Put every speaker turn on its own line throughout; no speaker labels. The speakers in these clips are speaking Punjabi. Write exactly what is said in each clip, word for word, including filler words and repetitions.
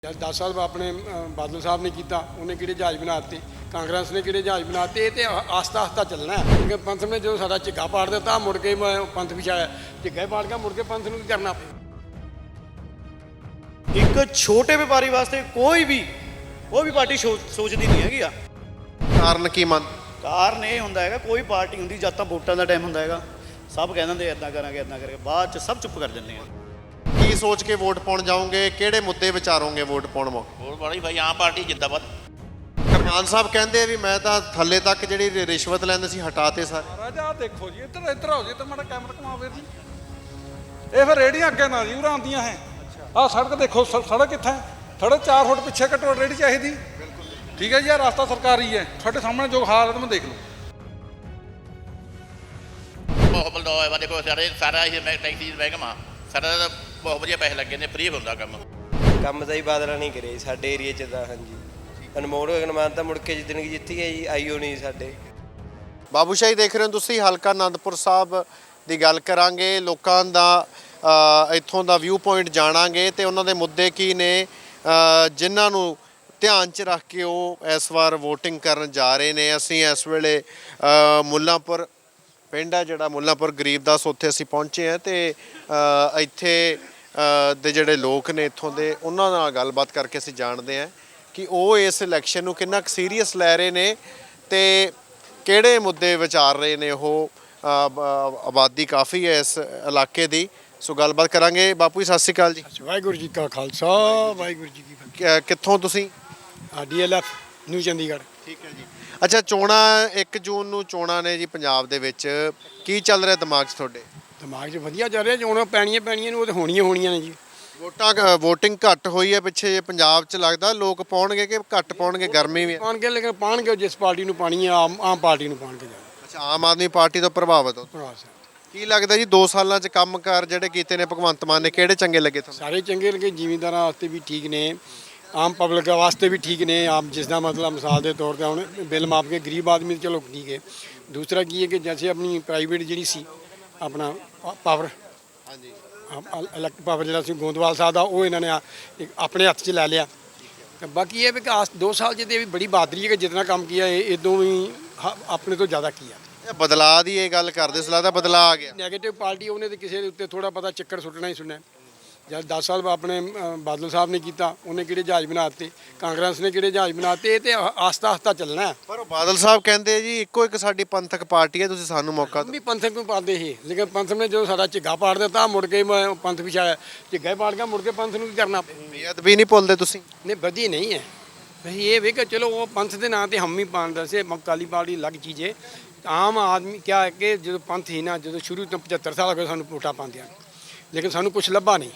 जब दस साल अपने बादल साहब ने किया उन्हें कि जहाज बनाते कांग्रेस ने कि जहाज बनाते तो आस्ता आस्ता चलना है क्योंकि पंथ ने जो सारा झिग्गा पाड़ दिता मुड़ के पंथ पिछाया झिग्गा पाड़ गया मुड़ के पंथ ਨੂੰ करना पे
एक छोटे व्यापारी वास्ते कोई भी कोई भी पार्टी सोचती नहीं हैगी आ
ਕਾਰਨ ਕੀ ਮੰਨ
ਕਾਰਨ ਇਹ ਹੁੰਦਾ ਹੈਗਾ ਕੋਈ ਪਾਰਟੀ ਹੁੰਦੀ ਜਦ ਤਾਂ ਵੋਟਾਂ ਦਾ ਟਾਈਮ ਹੁੰਦਾ ਹੈਗਾ ਸਭ ਕਹਿ ਦਿੰਦੇ ਇਦਾਂ ਕਰਾਂਗੇ ਇਦਾਂ ਕਰਾਂਗੇ ਬਾਅਦ ਚ ਸਭ ਚੁੱਪ ਕਰ ਜਾਂਦੇ ਆ
ਕੀ ਸੋਚ ਕੇ ਵੋਟ ਪਾਉਣ ਜਾਓਗੇ ਕਿਹੜੇ ਮੁੱਦੇ ਵਿਚਾਰੋਗੇ ਵੋਟ ਪਾਉਣ ਮੌਕੇ
ਹੋਰ ਬੜੀ ਭਾਈ ਆਮ ਪਾਰਟੀ ਜਿੰਦਾਬਾਦ
ਕਰਮਾਨ ਸਾਹਿਬ ਕਹਿੰਦੇ ਵੀ ਮੈਂ ਤਾਂ ਥੱਲੇ ਤੱਕ ਜਿਹੜੀ ਰਿਸ਼ਵਤ ਲੈਂਦੇ ਸੀ ਹਟਾਤੇ ਸਾਰੇ
ਰਾਜਾ ਦੇਖੋ ਜੀ ਇੱਧਰ ਇੱਧਰ ਹੋ ਜੀ ਤੇ ਮਾੜਾ ਕੈਮਰਾ ਘੁਮਾਓ ਵੀਰ ਜੀ ਇਹ ਫਿਰ ਰੇੜੀਆਂ ਅੱਗੇ ਨਾ ਜੀ ਉਰਾਂ ਆਉਂਦੀਆਂ ਹੈ ਆਹ ਸੜਕ ਦੇਖੋ ਸ- ਸੜਕ ਕਿੱਥੇ ਹੈ ਥੋੜੇ ਚਾਰ ਫੁੱਟ ਪਿੱਛੇ ਘੱਟੋ ਰੇੜੀ ਚਾਹੀਦੀ ਠੀਕ ਹੈ ਜੀ ਆਹ ਰਸਤਾ ਸਰਕਾਰੀ ਹੈ ਤੁਹਾਡੇ ਸਾਹਮਣੇ ਜੋ ਹਾਲਤ ਮੈਂ ਦੇਖ ਲਓ
ਬਹੁਤ ਬਲਦੋ ਹੈ ਦੇਖੋ ਸਾਰੇ ਸਾਰਾ ਇਹ ਮੈਂ ਟੈਕਸੀ ਮਹਿਕਮਾ ਸਾਰਾ ਤਾਂ ਬਹੁਤ ਵਧੀਆ ਪੈਸੇ ਲੱਗੇ ਨੇ ਫ੍ਰੀ ਹੁੰਦਾ ਕੰਮ
ਕੰਮ ਤਾਂ ਹੀ ਬਾਦਲਾਂ ਨਹੀਂ ਕਰੇ ਸਾਡੇ ਏਰੀਏ 'ਚ ਤਾਂ ਹਾਂਜੀ ਅਨਮੋਲ ਗਗਨਮਾਨ ਤਾਂ ਮੁੜ ਕੇ ਜਿੱਦਣ ਕੀ ਜਿੱਤੀ ਹੈ ਜੀ ਆਈਓ ਨਹੀਂ ਸਾਡੇ
ਬਾਬੂ ਸ਼ਾਹੀ ਦੇਖ ਰਹੇ ਹੋ ਤੁਸੀਂ ਹਲਕਾ ਆਨੰਦਪੁਰ ਸਾਹਿਬ ਦੀ ਗੱਲ ਕਰਾਂਗੇ ਲੋਕਾਂ ਦਾ ਅ, ਇੱਥੋਂ ਦਾ ਵਿਊ ਪੁਆਇੰਟ ਜਾਣਾਂਗੇ ਤੇ ਉਹਨਾਂ ਦੇ ਮੁੱਦੇ ਕੀ ਨੇ ਅ, ਜਿਨ੍ਹਾਂ ਨੂੰ ਧਿਆਨ 'ਚ ਰੱਖ ਕੇ ਉਹ ਇਸ ਵਾਰ VOTING ਕਰਨ ਜਾ ਰਹੇ ਨੇ। ਅਸੀਂ ਇਸ ਵੇਲੇ ਅ, ਮੁੱਲਾਂਪੁਰ ਪਿੰਡ ਹੈ ਜਿਹੜਾ ਮੁੱਲਾਂਪੁਰ ਗਰੀਬਦਾਸ ਉੱਥੇ ਅਸੀਂ ਪਹੁੰਚੇ ਹਾਂ ਤੇ ਅ, ਇੱਥੇ ਅ, ਦੇ ਜਿਹੜੇ ਲੋਕ ਨੇ ਇੱਥੋਂ ਦੇ ਉਹਨਾਂ ਨਾਲ ਗੱਲਬਾਤ ਕਰਕੇ ਅਸੀਂ ਜਾਣਦੇ ਹਾਂ ਕਿ ਉਹ ਇਸ ਇਲੈਕਸ਼ਨ ਨੂੰ ਕਿੰਨਾ ਸੀਰੀਅਸ ਲੈ ਰਹੇ ਨੇ ਤੇ ਕਿਹੜੇ ਮੁੱਦੇ ਵਿਚਾਰ ਰਹੇ ਨੇ। ਉਹ ਅ, ਬ- ਆਬਾਦੀ ਕਾਫੀ ਹੈ ਇਸ ਇਲਾਕੇ ਦੀ, ਸੋ ਗੱਲਬਾਤ ਕਰਾਂਗੇ। ਬਾਪੂ ਜੀ ਸਤਿ ਸ਼੍ਰੀ ਅਕਾਲ ਜੀ।
ਵਾਹਿਗੁਰੂ ਜੀ ਕਾ ਖਾਲਸਾ ਵਾਹਿਗੁਰੂ ਜੀ ਕੀ ਫਤਿਹ।
ਕਿ- ਕਿੱਥੋਂ ਤੁਸੀਂ?
D L F New Chandigarh.
ਠੀਕ ਹੈ ਜੀ। ਅੱਛਾ, ਚੋਣਾਂ ਇੱਕ ਜੂਨ ਨੂੰ ਚੋਣਾਂ ਨੇ ਜੀ ਪੰਜਾਬ ਦੇ ਵਿੱਚ, ਕੀ ਚੱਲ ਰਿਹਾ ਦਿਮਾਗ 'ਚ ਤੁਹਾਡੇ?
ਦਿਮਾਗ 'ਚ ਵਧੀਆ ਚੱਲ ਰਿਹਾ ਚੋਣਾਂ ਪੈਣੀਆਂ ਪੈਣੀਆਂ ਨੂੰ ਉਹ ਤਾਂ ਹੋਣੀਆਂ ਹੋਣੀਆਂ ਨੇ ਜੀ।
ਵੋਟਾਂ VOTING ਘੱਟ ਹੋਈ ਹੈ ਪਿੱਛੇ ਜੇ ਪੰਜਾਬ 'ਚ, ਲੱਗਦਾ ਲੋਕ ਪਾਉਣਗੇ ਕਿ ਘੱਟ ਪਾਉਣਗੇ? ਗਰਮੀ ਵੀ ਹੈ।
ਪਾਣਗੇ ਲੇਕਿਨ ਪਾਣਗੇ ਜਿਸ ਪਾਰਟੀ ਨੂੰ ਪਾਣੀ ਹੈ ਆਮ ਆਮ ਪਾਰਟੀ ਨੂੰ ਪਾਣਗੇ ਜਾ
ਅੱਛਾ, ਆਮ ਆਦਮੀ ਪਾਰਟੀ ਤੋਂ ਪ੍ਰਭਾਵਿਤ ਹੋ।
ਭਰਾ ਸਾਹਿਬ
ਕੀ ਲੱਗਦਾ ਜੀ ਦੋ ਸਾਲਾਂ 'ਚ ਕੰਮਕਾਰ ਜਿਹੜੇ ਕੀਤੇ ਨੇ ਭਗਵੰਤ ਮਾਨ ਨੇ, ਕਿਹੜੇ ਚੰਗੇ ਲੱਗੇ ਤੁਹਾਨੂੰ?
ਸਾਰੇ ਚੰਗੇ ਲੱਗੇ, ਜ਼ਿਮੀਂਦਾਰਾਂ ਵਾਸਤੇ ਵੀ ਠੀਕ ਨੇ, ਆਮ ਪਬਲਿਕ ਵਾਸਤੇ ਵੀ ਠੀਕ ਨੇ। ਆਮ ਜਿਸ ਦਾ मतलब ਮਿਸਾਲ ਦੇ ਤੌਰ ਤੇ ਹੁਣ ਬਿੱਲ ਮਾਫ ਕੇ ਗਰੀਬ ਆਦਮੀ ਚਲੋ ਠੀਕ ਹੈ। ਦੂਸਰਾ ਕੀ ਹੈ ਕਿ ਜੈਸੇ ਆਪਣੀ ਪ੍ਰਾਈਵੇਟ ਜਿਹੜੀ ਸੀ ਆਪਣਾ ਪਾਵਰ
ਹਾਂਜੀ,
ਇਲੈਕਟ ਪਾਵਰ ਜਿਹੜਾ ਸੀ ਗੋਂਦਵਾਲ ਸਾਹਿਬ ਦਾ, ਉਹ ਇਹਨਾਂ ਨੇ ਆ- ਇੱਕ ਆਪਣੇ ਹੱਥ 'ਚ ਲੈ ਲਿਆ। ਤੇ ਬਾਕੀ ਇਹ ਵੀ ਕਿ ਆਸ ਦੋ ਸਾਲ 'ਚ ਤੇ ਵੀ ਬੜੀ ਬਹਾਦਰੀ ਹੈ ਕਿ ਜਿਤਨਾ ਕੰਮ ਕੀਤਾ ਇਹ ਇਦੋਂ ਵੀ ਹ- ਆਪਣੇ ਤੋਂ ਜ਼ਿਆਦਾ ਕੀਤਾ।
ਇਹ ਬਦਲਾਅ ਦੀ ਇਹ ਗੱਲ ਕਰਦੇ ਸੀ, ਲੱਗਦਾ ਬਦਲਾਅ ਆ ਗਿਆ।
ਨੈਗੇਟਿਵ ਪਾਰਟੀ ਉਹਨੇ ਤੇ ਕਿਸੇ ਦੇ ਉੱਤੇ ਥੋੜਾ ਪਤਾ ਚੱਕਰ ਸੁੱਟਣਾ ਹੀ ਸੁਣਨਾ। ਜਦ ਦਸ ਸਾਲ ਆਪਣੇ ਅ, ਬਾਦਲ ਸਾਹਿਬ ਨੇ ਕੀਤਾ ਉਹਨੇ ਕਿਹੜੇ ਜਹਾਜ਼ ਬਣਾਤੇ ਕਾਂਗਰਸ ਨੇ ਕਿਹੜੇ ਜਹਾਜ਼ ਬਣਾਤੇ ਤੇ ਆਸਤਾ ਆਸਤਾ ਚੱਲਣਾ ਹੈ।
ਪਰ ਉਹ ਬਾਦਲ ਸਾਹਿਬ ਕਹਿੰਦੇ ਜੀ ਇੱਕੋ ਇੱਕ ਸਾਡੀ ਪੰਥਕ ਪਾਰਟੀ ਹੈ, ਤੁਸੀਂ ਸਾਨੂੰ ਮੌਕਾ ਦਿਓ।
ਵੀ ਪੰਥਕ ਨੂੰ ਪਾਉਂਦੇ ਸੀ ਲੇਕਿਨ ਪੰਥ ਨੇ ਜੋ ਸਾਡਾ ਝਿੱਗਾ ਪਾੜ ਦਿੱਤਾ ਮੁੜ ਕੇ ਮ- ਪੰਥ ਪਿਛਾਇਆ ਝਿੱਗਾ ਪਾੜ ਗਿਆ ਮੁੜ ਕੇ ਪੰਥ ਨੂੰ ਕੀ ਕਰਨਾ ਪਿਆ।
ਬੇਅਦਬੀ ਨਹੀਂ ਭੁੱਲਦੇ ਤੁਸੀਂ?
ਨਹੀਂ ਵਧੀ ਨਹੀਂ ਹੈ ਵਹੀ ਇਹ ਵੀ ਕਿ ਚਲੋ ਉਹ ਪੰਥ ਦੇ ਨਾਂ ਤੇ ਹਮ ਹੀ ਪਾਉਂਦਾ ਸੀ ਕਾਲੀ ਪਾਰਟੀ ਅਲੱਗ ਚੀਜ਼ ਹੈ। ਆਮ ਆਦਮੀ ਕਿਆ ਹੈ ਕਿ ਜਦੋਂ ਪੰਥ ਹੀ ਨਾ ਜਦੋਂ ਸ਼ੁਰੂ ਤੋਂ ਪਝੱਤਰ ਸਾਲ ਹੋ ਗਏ ਸਾਨੂੰ ਵੋਟਾਂ ਪਾਉਂਦਿਆਂ ਲੇਕਿਨ ਸਾਨੂੰ ਕੁਝ ਲੱਭਾ ਨਹੀਂ।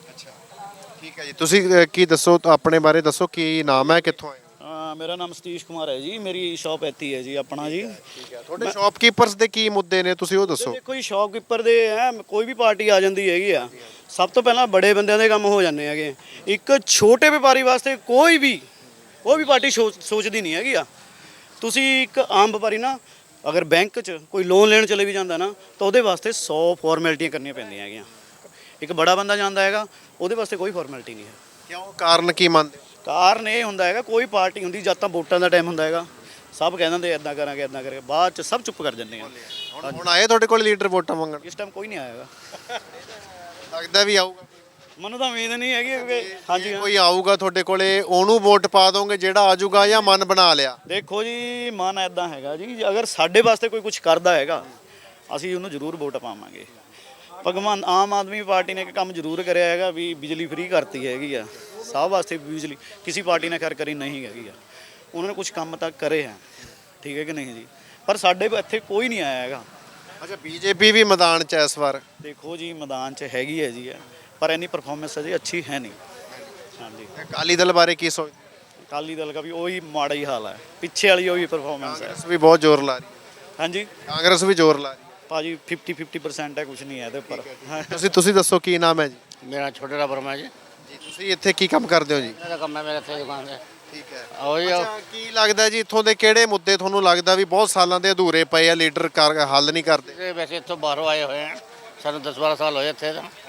ਠੀਕ ਹੈ ਜੀ। ਤੁਸੀਂ ਅ, ਕੀ ਦੱਸੋ ਤਾਂ ਆਪਣੇ ਬਾਰੇ ਦੱਸੋ, ਕੀ ਨਾਮ ਹੈ, ਕਿੱਥੋਂ ਆਏ ਹੋ?
ਹਾਂ ਮੇਰਾ ਨਾਮ ਸਤੀਸ਼ ਕੁਮਾਰ ਹੈ ਜੀ ਮੇਰੀ ਸ਼ਾਪ ਇੱਥੇ ਹੀ ਹੈ ਜੀ ਆਪਣਾ ਜੀ
ਠੀਕ ਹੈ। ਤੁਹਾਡੇ ਸ਼ਾਪਕੀਪਰਸ ਦੇ ਕੀ ਮੁੱਦੇ ਨੇ, ਤੁਸੀਂ ਉਹ ਦੱਸੋ।
ਦੇਖੋ ਜੀ ਸ਼ਾਪਕੀਪਰ ਦੇ ਹੈ ਕੋਈ ਵੀ ਪਾਰਟੀ ਆ ਜਾਂਦੀ ਹੈਗੀ ਆ ਸਭ ਤੋਂ ਪਹਿਲਾਂ ਬੜੇ ਬੰਦਿਆਂ ਦੇ ਕੰਮ ਹੋ ਜਾਂਦੇ ਹੈਗੇ। ਇੱਕ ਛੋਟੇ ਵਪਾਰੀ ਵਾਸਤੇ ਕੋਈ ਵੀ ਕੋਈ ਵੀ ਪਾਰਟੀ ਸੋਚ- ਸੋਚਦੀ ਨਹੀਂ ਹੈਗੀ ਆ। ਤੁਸੀਂ ਇੱਕ ਆਮ ਵਪਾਰੀ ਨਾ ਅਗਰ ਬੈਂਕ 'ਚ ਕੋਈ ਲੋਨ ਲੈਣ ਚਲੇ ਵੀ ਜਾਂਦਾ ਨਾ ਤਾਂ ਉਹਦੇ ਵਾਸਤੇ ਸੌ ਫਾਰਮੈਲਿਟੀਆਂ ਕਰਨੀਆਂ ਪੈਂਦੀਆਂ ਹੈਗੀਆਂ। ਇੱਕ ਬੜਾ ਬੰਦਾ ਜਾਂਦਾ ਹੈਗਾ ਉਹਦੇ ਵਾਸਤੇ ਕੋਈ ਫਾਰਮੈਲਿਟੀ ਨਹੀਂ ਹੈ।
ਕਿਉਂ, ਕਾਰਨ ਕੀ ਮੰਨਦੇ?
ਕਾਰਨ ਇਹ ਹੁੰਦਾ ਹੈਗਾ ਕੋਈ ਪਾਰਟੀ ਹੁੰਦੀ ਜਦ ਤਾਂ ਵੋਟਾਂ ਦਾ ਟਾਈਮ ਹੁੰਦਾ ਹੈਗਾ ਸਭ ਕਹਿ ਦਿੰਦੇ ਇਦਾਂ ਕਰਾਂਗੇ ਇਦਾਂ ਕਰਾਂਗੇ ਬਾਅਦ ਚ ਸਭ ਚੁੱਪ ਕਰ ਜਾਂਦੇ ਆ।
ਹੁਣ ਹੁਣ ਆਏ ਤੁਹਾਡੇ ਕੋਲ ਲੀਡਰ ਵੋਟਾਂ ਮੰਗਣ?
ਇਸ ਟਾਈਮ ਕੋਈ ਨਹੀਂ ਆਏਗਾ
ਲੱਗਦਾ ਵੀ ਆਊਗਾ।
ਮੈਨੂੰ ਤਾਂ ਉਮੀਦ ਨਹੀਂ ਹੈਗੀ ਕਿ ਹਾਂਜੀ ਹਾਂ।
ਕੋਈ ਆਊਗਾ ਤੁਹਾਡੇ ਕੋਲੇ, ਉਹਨੂੰ ਵੋਟ ਪਾ ਦੋਗੇ ਜਿਹੜਾ ਆਜੂਗਾ, ਜਾਂ ਮਨ ਬਣਾ ਲਿਆ?
ਦੇਖੋ ਜੀ ਮਨ ਐਦਾਂ ਹੈਗਾ ਜੀ ਅਗਰ ਸਾਡੇ ਵਾਸਤੇ ਕੋਈ ਕੁਝ ਕਰਦਾ ਹੈਗਾ ਅਸੀਂ ਉਹਨੂੰ ਜ਼ਰੂਰ ਵੋਟ ਪਾਵਾਂਗੇ। ਭਗਵਾਨ ਆਮ ਆਦਮੀ ਪਾਰਟੀ ਨੇ ਇੱਕ ਕੰਮ ਜ਼ਰੂਰ ਕਰਿਆ ਹੈਗਾ ਵੀ ਬਿਜਲੀ ਫ੍ਰੀ ਕਰਤੀ ਹੈਗੀ ਆ ਸਭ ਵਾਸਤੇ। ਬਿਜਲੀ ਕਿਸੇ ਪਾਰਟੀ ਨੇ ਖੈਰ ਕਰੀ ਨਹੀਂ ਹੈਗੀ ਆ, ਉਹਨਾਂ ਨੇ ਕੁਝ ਕੰਮ ਤਾਂ ਕਰੇ ਹੈ, ਠੀਕ ਹੈ ਕਿ ਨਹੀਂ ਜੀ। ਪਰ ਸਾਡੇ ਇੱਥੇ ਕੋਈ ਨਹੀਂ ਆਇਆ ਹੈਗਾ।
ਅੱਛਾ, ਬੀਜੇਪੀ ਵੀ ਮੈਦਾਨ 'ਚ ਹੈ ਇਸ ਵਾਰ?
ਦੇਖੋ ਜੀ ਮੈਦਾਨ 'ਚ ਹੈਗੀ ਹੈ ਜੀ ਪਰ ਇੰਨੀ ਪਰਫਾਰਮੈਂਸ ਅਜੇ ਅੱਛੀ ਹੈ ਨਹੀਂ। ਹਾਂਜੀ
ਅਕਾਲੀ ਦਲ ਬਾਰੇ ਕੀ ਸੋਚਦੇ?
ਅਕਾਲੀ ਦਲ ਦਾ ਵੀ ਉਹੀ ਮਾੜਾ ਹੀ ਹਾਲ ਹੈ, ਪਿੱਛੇ ਵਾਲੀ ਉਹੀ ਪਰਫਾਰਮੈਂਸ ਹੈ।
ਕਾਂਗਰਸ ਵੀ ਬਹੁਤ ਜ਼ੋਰ ਲਾ ਰਹੀ ਹੈ।
ਹਾਂਜੀ
ਕਾਂਗਰਸ ਵੀ ਜ਼ੋਰ ਲਾ ਰਹੀ
ਭਾਜੀ ਫਿਫਟੀ ਫਿਫਟੀ ਪਰਸੈਂਟ ਹੈ, ਕੁਝ ਨਹੀਂ ਹੈ ਇਹਦੇ ਉੱਪਰ।
ਹੈ। ਤੁਸੀਂ ਤੁਸੀਂ ਦੱਸੋ ਕੀ ਨਾਮ ਹੈ ਜੀ?
ਮੇਰਾ ਛੋਟੇ ਦਾ ਬਰਮਾ ਜੀ
ਜੀ ਤੁਸੀਂ ਇੱਥੇ ਕੀ ਕੰਮ ਕਰਦੇ ਹੋ ਜੀ?
ਇਹਦਾ ਕੰਮ ਹੈ ਮੇਰੇ ਇੱਥੇ ਦੁਕਾਨ ਤੇ
ਠੀਕ ਹੈ।
ਉਹੀ
ਅੱਛਾ, ਕੀ ਲੱਗਦਾ ਜੀ ਇੱਥੋਂ ਦੇ ਕਿਹੜੇ ਮੁੱਦੇ ਤੁਹਾਨੂੰ ਲੱਗਦਾ ਵੀ ਬਹੁਤ ਸਾਲਾਂ ਦੇ ਅਧੂਰੇ ਪਏ ਆ, ਲੀਡਰ ਕਰ ਹੱਲ ਨਹੀਂ ਕਰਦੇ?
ਇਹ ਵੈਸੇ ਇੱਥੋਂ ਬਾਹਰੋਂ ਆਏ ਹੋਏ ਆ ਸਾਨੂੰ ਦਸ ਬਾਰਾਂ ਸਾਲ ਹੋਏ ਇੱਥੇ ਤਾਂ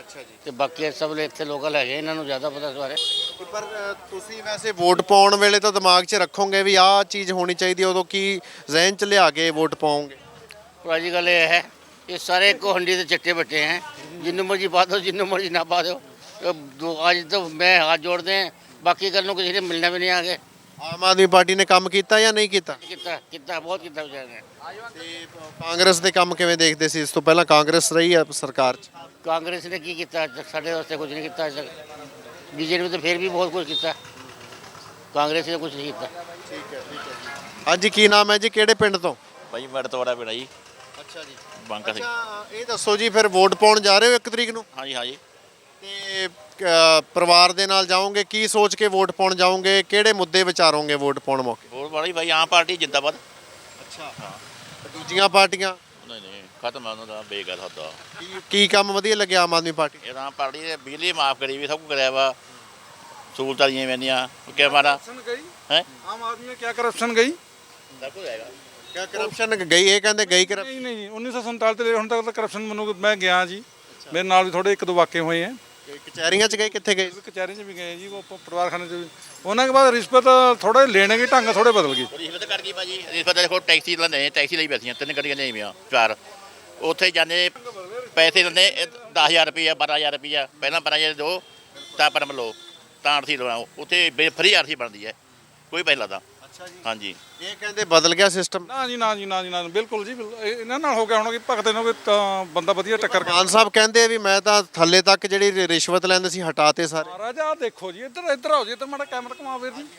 ਅੱਛਾ ਜੀ।
ਤੇ ਬਾਕੀ ਸਭ ਇੱਥੇ ਲੋਕਲ ਹੈਗੇ, ਇਹਨਾਂ ਨੂੰ ਜ਼ਿਆਦਾ ਪਤਾ ਇਸ ਬਾਰੇ।
ਪਰ ਅ, ਤੁਸੀਂ ਵੈਸੇ ਵੋਟ ਪਾਉਣ ਵੇਲੇ ਤਾਂ ਦਿਮਾਗ 'ਚ ਰੱਖੋਗੇ ਵੀ ਆਹ ਚੀਜ਼ ਹੋਣੀ ਚਾਹੀਦੀ ਹੈ, ਉਦੋਂ ਕੀ ਜ਼ਿਹਨ 'ਚ ਲਿਆ ਕੇ ਵੋਟ ਪਾਓਗੇ?
ਪਰ ਅੱਜ ਕੱਲ੍ਹ ਇਹ ਹੈ ਇਹ ਸਾਰੇ ਇੱਕੋ ਹੰਡੀ ਦੇ ਚੱਟੇ ਬੱਟੇ हैं, जिन्नू मर्जी पा दो जिन्नू मर्जी ना पा दो। तो दो- आज तो मैं हाथ जोड़ते हैं, बाकी कल ਨੂੰ किसी ने मिलना भी नहीं आगे।
ਆਮ ਆਦਮੀ ਪਾਰਟੀ ਨੇ ਕੰਮ ਕੀਤਾ ਜਾਂ ਨਹੀਂ ਕੀਤਾ?
कितना कितना बहुत कितना बेचारे ने।
ਤੇ ਕਾਂਗਰਸ ਦੇ ਕੰਮ ਕਿਵੇਂ ਦੇਖਦੇ ਸੀ? ਇਸ ਤੋਂ ਪਹਿਲਾਂ ਕਾਂਗਰਸ ਰਹੀ ਆ ਸਰਕਾਰ 'ਚ।
कांग्रेस ने की किया अज तक? साढ़े वास्ते कुछ नहीं किया अज तक। बीजेपी तो फिर भी बहुत कुछ किया, कांग्रेस ने कुछ नहीं किया।
ਠੀਕ ਹੈ ਠੀਕ ਹੈ ਜੀ। ਹਾਂਜੀ, ਕੀ ਨਾਮ ਹੈ ਜੀ, ਕਿਹੜੇ ਪਿੰਡ ਤੋਂ?
ਭਾਈ ਮੇਰਾ ਤੋਂ ਬੜਾ ਪਿੰਡ ਜੀ
ਅੱਛਾ ਜੀ।
ਬਾਂਕਾ ਸਿੰਘ।
ਅੱਛਾ, ਇਹ ਦੱਸੋ ਜੀ, ਫਿਰ ਵੋਟ ਪਾਉਣ ਜਾ ਰਹੇ ਹੋ ਇੱਕ ਤਰੀਕ ਨੂੰ
ਹਾਂਜੀ ਹਾਂਜੀ
ਤੇ ਅ, ਪਰਿਵਾਰ ਦੇ ਨਾਲ ਜਾਓਗੇ? ਕੀ ਸੋਚ ਕੇ ਵੋਟ ਪਾਉਣ ਜਾਓਗੇ? ਕਿਹੜੇ ਮੁੱਦੇ ਵਿਚਾਰੋਗੇ ਵੋਟ ਪਾਉਣ ਮੌਕੇ?
ਹੋਰ ਬੜੀ ਭਾਈ ਆਮ ਪਾਰਟੀ ਜਿੰਦਾਬਾਦ।
ਅੱਛਾ, ਦੂਜੀਆਂ ਪਾਰਟੀਆਂ
ਨਹੀਂ ਨਹੀਂ ਖਤਮ ਆ ਉਹਨਾਂ ਦਾ ਬੇਗਲ ਹੁੰਦਾ।
ਕੀ ਕੀ ਕੰਮ ਵਧੀਆ ਲੱਗਿਆ ਆਮ ਆਦਮੀ ਪਾਰਟੀ?
ਇਹ ਆਮ ਪਾਰਟੀ ਨੇ ਬਿਜਲੀ ਮਾਫ ਕਰੀ ਵੀ, ਸਭ ਕੁਝ ਕਰਿਆ ਵਾ, ਸਹੂਲਤਾਂ ਦੀਆਂ ਮੈਨੀਆਂ ਕਿ ਮਾਰਾ
करप्शन गई
ਹੈ
आम आदमी में क्या करप्शन गई?
ਸਭ ਕੁਝ ਹੈਗਾ।
ਕਿਆ ਕਰਪਸ਼ਨ ਗਈ? ਇਹ ਕਹਿੰਦੇ ਗਈ ਕਰਪ
नहीं नहीं उन्नीस सौ संताली ਤੋਂ ਹੁਣ ਤੱਕ ਤਾਂ ਕਰਪਸ਼ਨ ਮੈਨੂੰ ਮੈਂ ਗਿਆ ਜੀ, ਮੇਰੇ ਨਾਲ ਵੀ ਥੋੜੇ ਇੱਕ ਦੋ ਵਾਕੇ ਹੋਏ ਹੈ।
ਕਚਹਿਰੀਆਂ 'ਚ ਗਏ? ਕਿੱਥੇ ਗਏ?
ਕਚਹਿਰੀ 'ਚ ਵੀ ਗਏ ਜੀ, ਉਹ ਪ- ਪਰਿਵਾਰ ਖਾਨੇ 'ਚ ਵੀ। ਉਹਨਾਂ ਦੇ ਬਾਅਦ ਰਿਸ਼ਵਤ ਥੋੜੇ ਲੈਣੇ ਦੇ ਢੰਗ ਥੋੜੇ ਬਦਲ ਗਏ।
ਰਿਸ਼ਵਤ ਕਰ ਗਈ ਭਾਜੀ, ਰਿਸ਼ਵਤ ਦੇਖੋ ਟੈਕਸੀ ਲੈਂਦੇ, ਟੈਕਸੀ ਲਈ ਬੈਠੀਆਂ ਤਿੰਨ ਗੱਡੀਆਂ ਨਹੀਂ ਮੀਆਂ ਚਾਰ, ਉੱਥੇ ਜਾਂਦੇ ਪੈਸੇ ਲੈਂਦੇ ਦਸ ਹਜ਼ਾਰ ਰੁਪਈਆ ਬਾਰਾਂ ਹਜ਼ਾਰ ਰੁਪਈਆ, ਪਹਿਲਾਂ ਬਾਰਾਂ ਹਜ਼ਾਰ ਦਿਓ ਤਾਂ ਪਰਮ ਲਓ ਤਾਂ ਅਰਥੀ ਲਵਾਓ, ਉੱਥੇ ਫਰੀ ਅਰਥੀ ਬਣਦੀ ਹੈ, ਕੋਈ ਪੈਸਾ ਲੱਗਦਾ।
ਅੱਛਾ ਜੀ।
ਹਾਂਜੀ
ਇਹ ਕਹਿੰਦੇ ਬਦਲ ਗਿਆ ਸਿਸਟਮ।
ਨਾ ਜੀ ਨਾ ਜੀ ਨਾ ਜੀ ਨਾ ਬਿਲਕੁਲ ਜੀ ਬਿਲਕੁਲ। ਇਹ- ਇਹਨਾਂ ਨਾਲ ਹੋ ਗਿਆ ਹੁਣ ਕਿ ਭਗਤ ਇਹਨਾਂ ਕੋਈ ਤਾਂ ਬੰਦਾ ਵਧੀਆ ਟੱਕਰ ਗਿਆ।
ਮਾਨ ਸਾਹਿਬ ਕਹਿੰਦੇ ਆ ਵੀ ਮੈਂ ਤਾਂ ਥੱਲੇ ਤੱਕ ਜਿਹੜੀ ਰਿ- ਰਿਸ਼ਵਤ ਲੈਂਦੇ ਸੀ ਹਟਾਤੇ ਸਾਰੇ।
ਮਹਾਰਾਜ ਆਹ ਦੇਖੋ ਜੀ, ਇੱਧਰ ਇੱਧਰ ਆਓ ਜੀ, ਇੱਧਰ ਮਾੜਾ ਕੈਮਰਾ ਘੁਮਾਓ ਵੀਰ ਜੀ।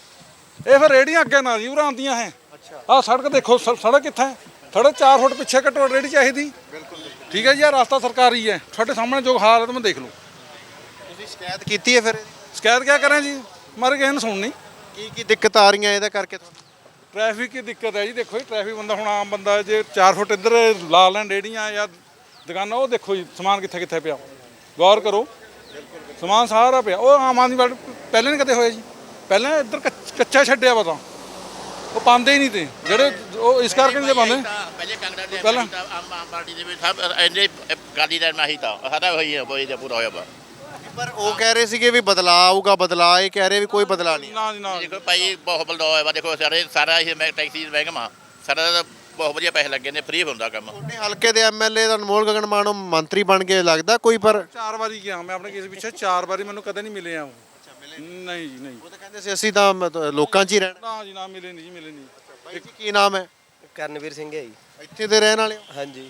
ਇਹ ਫਿਰ ਰੇੜੀਆਂ ਅੱਗੇ ਨਾ ਜੀ ਉਰਾਂ ਆਉਂਦੀਆਂ ਹੈ। ਆਹ ਸੜਕ ਦੇਖੋ, ਸ- ਸੜਕ ਕਿੱਥੇ ਹੈ? ਥੋੜੇ ਚਾਰ ਫੁੱਟ ਪਿੱਛੇ ਘੱਟੋ ਰੇੜੀ ਚਾਹੀਦੀ। ਬਿਲਕੁਲ ਠੀਕ ਹੈ ਜੀ, ਆਹ ਰਸਤਾ ਸਰਕਾਰੀ ਹੈ, ਤੁਹਾਡੇ ਸਾਹਮਣੇ ਜੋ ਹਾਲ ਹੈ ਤੁਸੀਂ ਦੇਖ ਲਓ।
ਤੁਸੀਂ ਸ਼ਿਕਾਇਤ ਕੀਤੀ ਹੈ ਫਿਰ?
ਸ਼ਿਕਾਇਤ ਕਿਆ ਕਰਾਂ ਜੀ, ਮਰ ਕਿਸੇ ਨੇ ਸੁਣਨੀ।
ਕੀ ਕੀ ਦਿੱਕਤ ਆ ਰਹੀਆਂ ਇਹਦਾ ਕਰਕੇ ਤੁਹਾਨੂੰ?
ਟ੍ਰੈਫਿਕ ਦੀ ਦਿੱਕਤ ਹੈ ਜੀ, ਦੇਖੋ ਜੀ ਟ੍ਰੈਫਿਕ ਬੰਦਾ ਹੁਣ ਆਮ ਬੰਦਾ ਜੇ ਚਾਰ ਫੁੱਟ ਇੱਧਰ ਲਾ ਲੈਣ ਰੇੜੀਆਂ ਜਾਂ ਦੁਕਾਨਾਂ, ਉਹ ਦੇਖੋ ਜੀ ਸਮਾਨ ਕਿੱਥੇ ਕਿੱਥੇ ਪਿਆ, ਗੌਰ ਕਰੋ ਸਮਾਨ ਸਾਰਾ ਪਿਆ। ਉਹ ਆਮ ਆਦਮੀ ਪਾਰਟੀ ਪਹਿਲੇ ਨਹੀਂ ਕਦੇ ਹੋਇਆ ਜੀ, ਪਹਿਲਾਂ ਇੱਧਰ ਕੱਚ- ਕੱਚਾ ਛੱਡਿਆ ਵਾ, ਤਾਂ ਉਹ ਪਾਉਂਦੇ ਹੀ ਨਹੀਂ ਤੇ ਜਿਹੜੇ ਉਹ ਇਸ ਕਰਕੇ ਨਹੀਂ ਪਾਉਂਦੇ।
ਪਹਿਲੇ ਕਾਂਗਰਸ ਦੇ
ਪਹਿਲਾਂ-
ਪਹਿਲਾਂ ਆਮ ਆਮ ਪਾਰਟੀ ਦੇ ਵਿੱਚ ਸਭ ਇੰਨੇ ਗਾਦੀ ਦਾ ਨਹੀਂ ਤਾਂ ਸਾਡਾ ਹੋਈ ਹੈ ਕੋਈ ਪੂਰਾ ਹੋਇਆ ਵਾ।
ਪਰ ਉਹ ਕਹਿ ਰਹੇ ਸੀਗੇ ਵੀ ਬਦਲਾਅ ਆਊਗਾ, ਬਦਲਾਅ ਇਹ ਕਹਿ ਰਹੇ ਵੀ ਕੋਈ ਬਦਲਾਅ ਨਹੀਂ।
ਨਾ ਜੀ ਨਾ।
ਦੇਖੋ ਭਾਈ ਬਹੁਤ ਬਲਦਾ ਹੋਇਆ ਵਾ, ਦੇਖੋ ਸਾਰੇ ਸਾਰਾ ਇਹ ਮੈਂ ਟੈਕਸੀ ਮਹਿਕਮਾ ਸਾਰਾ ਦਾ ਬਹੁਤ ਵਧੀਆ ਪੈਸੇ ਲੱਗੇ ਨੇ, ਫ੍ਰੀ ਹੁੰਦਾ ਕੰਮ।
ਤੁਹਾਡੇ ਹਲਕੇ ਦੇ ਐਮਐਲਏ ਦਾ ਅਨਮੋਲ ਗਗਨ ਮਾਨੋ ਮੰਤਰੀ ਬਣ ਕੇ ਲੱਗਦਾ ਕੋਈ? ਪਰ
ਚਾਰ ਵਾਰੀ ਗਿਆ ਮੈਂ ਆਪਣੇ ਕੇਸ ਪਿੱਛੇ, ਚਾਰ ਵਾਰੀ ਮੈਨੂੰ ਕਦੇ ਨਹੀਂ ਮਿਲੇ ਆ ਉਹ। ਨਹੀਂ ਜੀ ਨਹੀਂ,
ਉਹ ਤਾਂ ਕਹਿੰਦੇ ਸੀ ਅਸੀਂ ਤਾਂ ਮਤਲਬ ਲੋਕਾਂ 'ਚ ਹੀ ਰਹਿਣਾ।
ਨਾ ਜੀ ਨਾ ਮਿਲੇ ਨਹੀਂ ਜੀ, ਮਿਲੇ ਨਹੀਂ।
ਬਾਈ ਜੀ, ਕੀ ਨਾਮ ਹੈ?
ਕਰਨਵੀਰ ਸਿੰਘ ਹੈ ਜੀ।
ਇੱਥੇ ਦੇ ਰਹਿਣ ਵਾਲੇ ਹੋ?
ਹਾਂਜੀ,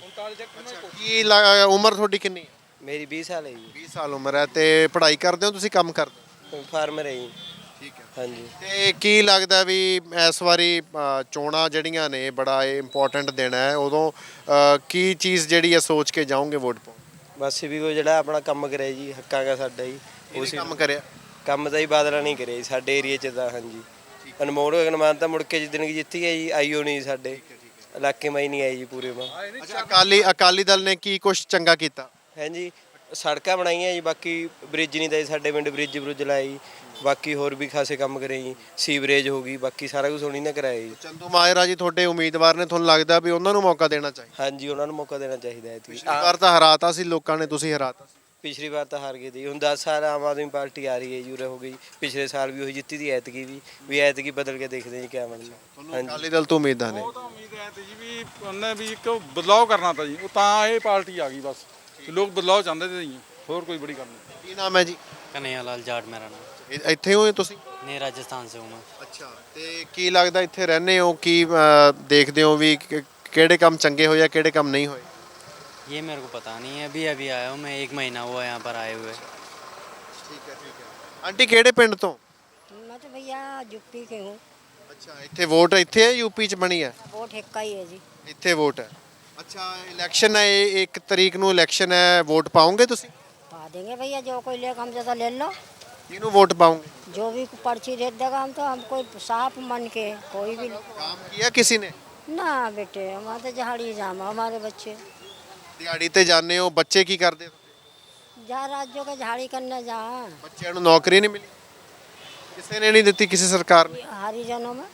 ਕੀ ਲ- ਉਮਰ ਤੁਹਾਡੀ ਕਿੰਨੀ ਹੈ?
ਮੇਰੀ ਵੀਹ ਸਾਲ ਹੈ ਜੀ।
ਵੀਹ ਸਾਲ ਉਮਰ ਹੈ। ਤੇ ਪੜ੍ਹਾਈ ਕਰਦੇ ਹੋ ਤੁਸੀਂ, ਕੰਮ ਕਰਦੇ ਹੋ?
ਫਾਰਮਰ ਹੈ ਜੀ।
ਠੀਕ ਹੈ।
ਹਾਂਜੀ,
ਤੇ ਕੀ ਲੱਗਦਾ ਵੀ ਇਸ ਵਾਰੀ ਅ, ਚੋਣਾਂ ਜਿਹੜੀਆਂ ਨੇ ਬੜਾ ਇੰਪੋਰਟੈਂਟ ਦਿਨ ਹੈ, ਉਦੋਂ ਅ, ਕੀ ਚੀਜ਼ ਜਿਹੜੀ ਹੈ ਸੋਚ ਕੇ ਜਾਓਗੇ ਵੋਟ ਪਾਉਣ?
ਬਸ ਵੀ ਕੋਈ ਜਿਹੜਾ ਆਪਣਾ ਕੰਮ ਕਰਿਆ ਜੀ, ਹੱਕਾਂ ਦਾ ਸਾਡਾ ਜੀ।
ਉਸ ਕੰਮ ਕਰਿਆ?
ਕੰਮ ਤਾਂ ਹੀ ਬਾਦਲਾਂ ਨਹੀਂ ਕਰਿਆ ਜੀ ਸਾਡੇ ਏਰੀਏ 'ਚ ਤਾਂ। ਹਾਂਜੀ, ਅਨਮੋਲ ਗਗਨ ਮਾਨ ਤਾਂ ਮੁੜ ਕੇ ਜਿੱਦਣ ਜਿੱਤੀ ਹੈ ਜੀ, ਆਈਓ ਨਹੀਂ ਸਾਡੇ ਇਲਾਕੇ ਮੈਂ ਹੀ ਨਹੀਂ ਆਈ ਜੀ ਪੂਰੇ ਮਾਂ।
ਅੱਛਾ, ਅਕਾਲੀ ਅਕਾਲੀ ਦਲ ਨੇ ਕੀ ਕੁਝ ਚੰਗਾ ਕੀਤਾ?
ਹਾਂਜੀ, ਸੜਕਾਂ ਬਣਾਈਆਂ ਜੀ, ਬਾਕੀ ਬ੍ਰਿਜ ਨਹੀਂ ਤਾਂ ਜੀ ਸਾਡੇ ਪਿੰਡ ਬ੍ਰਿਜ ਬਰੁਜ ਲਾਏ ਜੀ, ਬਾਕੀ ਹੋਰ ਵੀ ਖਾਸੇ ਕੰਮ ਕਰੇ ਜੀ, ਸੀਵਰੇਜ ਹੋ ਗਈ, ਬਾਕੀ ਸਾਰਾ ਕੁਝ ਉਹਨੀ ਨਾ ਕਰਾਇਆ ਜੀ।
ਚੰਦੂ ਮਾਜਰਾ ਜੀ ਤੁਹਾਡੇ ਉਮੀਦਵਾਰ ਨੇ, ਤੁਹਾਨੂੰ ਲੱਗਦਾ ਵੀ ਉਹਨਾਂ ਨੂੰ ਮੌਕਾ ਦੇਣਾ ਚਾਹੀਦਾ?
ਹਾਂਜੀ, ਉਹਨਾਂ ਨੂੰ ਮੌਕਾ ਦੇਣਾ ਚਾਹੀਦਾ ਹੈ।
ਪਿਛਲੀ ਵਾਰ ਤਾਂ ਹਰਾਤਾ ਸੀ ਲੋਕਾਂ ਨੇ, ਤੁਸੀਂ ਹਰਾਤਾ ਸੀ।
ਪਿਛਲੀ ਵਾਰ ਤਾਂ ਹਾਰ ਗਏ ਸੀ, ਹੁਣ ਦਸ ਸਾਲ ਆਮ ਆਦਮੀ ਪਾਰਟੀ ਆ ਰਹੀ ਹੈ ਜੀ, ਉਰੇ ਹੋ ਗਈ। ਪਿਛਲੇ ਸਾਲ ਵੀ ਉਹੀ ਜਿੱਤੀ ਦੀ, ਐਤਕੀ ਵੀ ਵੀ ਐਤਕੀ ਬਦਲ ਕੇ ਦੇਖਦੇ ਜੀ ਕਿਆ ਬਣਦਾ।
ਤੁਹਾਨੂੰ ਅਕਾਲੀ ਦਲ ਤੋਂ ਉਮੀਦਾਂ ਨੇ?
ਉਹ ਤਾਂ ਉਮੀਦ ਹੈ ਤੇ ਜੀ ਵੀ ਉਹਨੇ ਵੀ ਇੱਕ ਬਦਲਾਅ ਕਰਨਾ ਤਾਂ ਜੀ, ਉਹ ਤਾਂ ਇਹ ਪਾਰਟੀ ਆ ਗਈ ਬਸ। ਲੋਕ ਬਦਲਾਅ ਚਾਹੁੰਦੇ ਤੇ ਜੀ, ਹੋਰ ਕੋਈ ਬੜੀ ਗੱਲ ਨਹੀਂ।
ਕੀ ਨਾਮ ਹੈ ਜੀ?
कन्हैया लाल जाट मेरा नाम।
ਇ- ਇੱਥੇ ਹੋਏ ਤੁਸੀਂ?
नहीं राजस्थान से हूँ मैं।
ਅੱਛਾ, ਤੇ ਕੀ ਲੱਗਦਾ ਇੱਥੇ ਰਹਿੰਦੇ ਹੋ, ਕੀ ਅ, ਦੇਖਦੇ ਹੋ ਵੀ ਕਿ- ਕਿਹੜੇ ਕੰਮ ਚੰਗੇ ਹੋਏ ਆ, ਕਿਹੜੇ ਕੰਮ ਨਹੀਂ ਹੋਏ?
ये मेरे को पता नहीं है, अभी अभी आया हूँ मैं, एक महीना हुआ यहाँ पर आए हुए।
ਠੀਕ ਹੈ ਠੀਕ ਹੈ। ਆਂਟੀ ਕਿਹੜੇ ਪਿੰਡ ਤੋਂ?
मैं तो भैया यूपी के हूँ।
ਅੱਛਾ, ਇੱਥੇ ਵੋਟ ਇੱਥੇ ਹੈ ਯੂਪੀ 'ਚ ਬਣੀ ਹੈ?
वोट हिक्का ही है जी।
ਇੱਥੇ ਵੋਟ ਹੈ। ਅੱਛਾ, ਇਲੈਕਸ਼ਨ ਹੈ, ਇਹ ਇੱਕ ਤਰੀਕ ਨੂੰ ਇਲੈਕਸ਼ਨ ਹੈ, ਵੋਟ ਪਾਉਂਗੇ ਤੁਸੀਂ?
पा देंगे भैया, जो कोई लेगा हमसे तो ले लो।
ਕਿਹਨੂੰ ਵੋਟ ਪਾਉਂਗੇ?
जो भी पर्ची दे देगा हम तो, हम कोई साफ मन के कोई भी।
काम किया किसी ने?
ना बेटे, हमारे तो जहाड़ी जाम है, हमारे बच्चे
ਦਿਹਾੜੀ ਤੇ ਜਾਂਦੇ ਹੋ, ਬੱਚੇ ਕੀ ਕਰਦੇ?
जा राज्यों के झाड़ी करने जा
ਬੱਚਿਆਂ ਨੂੰ ਨੌਕਰੀ ਨਹੀਂ ਮਿਲੀ? ਕਿਸੇ ਨੇ ਨਹੀਂ ਦਿੱਤੀ, ਕਿਸੇ सरकार ਨੇ?
हरिजनों में।